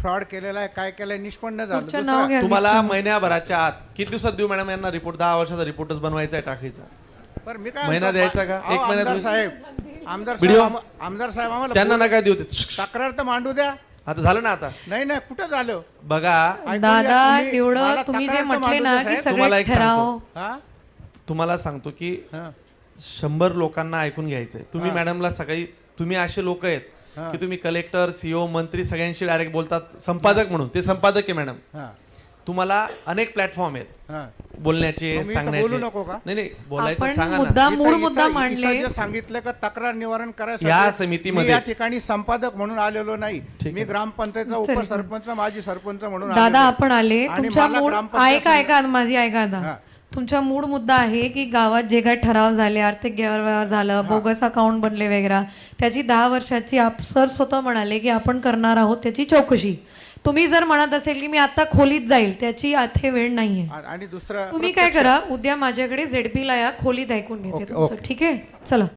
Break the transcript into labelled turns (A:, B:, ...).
A: Fraud केलेला आहे, काय केलंय निष्पन्न झालं.
B: पुढचं नाव घ्या.
C: तुम्हाला महिन्याभराच्या आत किती दिवसात देऊ मॅडम यांना रिपोर्ट? 10 वर्षाचा रिपोर्टच बनवायचा आहे, टाकायचा.
A: बरं मी काय
C: महिना
A: म्हणतो,
C: द्यायचा का?
A: अहो,
C: एक महिन्यात
A: आमदार साहेब
C: व्हिडिओ?
A: आमदार साहेब आम्हाला
C: त्यांना नका देऊ ते.
A: तक्रार तर मांडू द्या.
C: आता झालं ना? आता
A: नाही नाही कुठं झालं
C: बघा,
A: ऐकून घ्या,
B: दादा
A: तुम्ही-
B: एवढं
A: मला
B: तुम्ही जे
A: तक्रार तर
B: म्हटले
A: मांडू
B: ना
A: द्या,
B: की
A: साहेब.
C: तुम्हाला
B: सगळे
C: एक सांगतो.
B: ठराव
A: हा?
C: तुम्हाला सांगतो की
A: हा.
C: 100 लोकांना ऐकून घ्यायचंय. तुम्ही
A: हा.
C: मॅडमला सकाळी, तुम्ही असे लोक आहेत
A: हा.
C: की तुम्ही कलेक्टर, सीओ, मंत्री सगळ्यांशी डायरेक्ट बोलतात. संपादक म्हणून ते संपादक आहे मॅडम.
A: हा.
C: तुम्हाला अनेक प्लॅटफॉर्म आहेत
A: हा.
C: बोलण्याचे,
A: मग मी इथं
C: सांगण्याचे.
A: बोलू नको का?
C: नाही नाही, बोलायचं
B: आपण
C: सांगा
B: मुद्दा
C: ना.
B: मूळ
A: इथं-
B: मुद्दा
A: इथं-
B: मांडले.
A: इथं जे सांगितलं का तक्रार निवारण करायसाठी
C: या समितीमध्ये-
A: मी या ठिकाणी संपादक म्हणून आलेलो नाही.
C: ठीक
A: मी
C: आहे.
A: ग्रामपंचायतचा
B: तरी
A: उपसरपंच, माजी सरपंच म्हणून
B: दादा
A: आलेलो आहे.
B: आपण आले
A: आणि
B: तुमच्या
A: मला
B: मूळ
A: ग्रामपंचायत
B: ऐका ऐका माझी ऐका
A: हा.
B: आता तुमचा मूळ मुद्दा आहे की गावात जे काही ठराव झाले, आर्थिक गैरव्यवहार झालं, बोगस अकाउंट बनले वगैरे, त्याची 10 वर्षाची सर स्वतः म्हणाले की आपण करणार आहोत त्याची चौकशी. तुम्ही जर म्हणत असेल की मी आता खोलीत जाईल, त्याची आता वेळ नाहीये.
A: आणि दुसरं
B: तुम्ही काय करा, उद्या माझ्याकडे ZP ला या, खोलीत ऐकून घेते
A: ओके,
B: तुमचं.
A: ओके.
B: ठीक आहे, चला.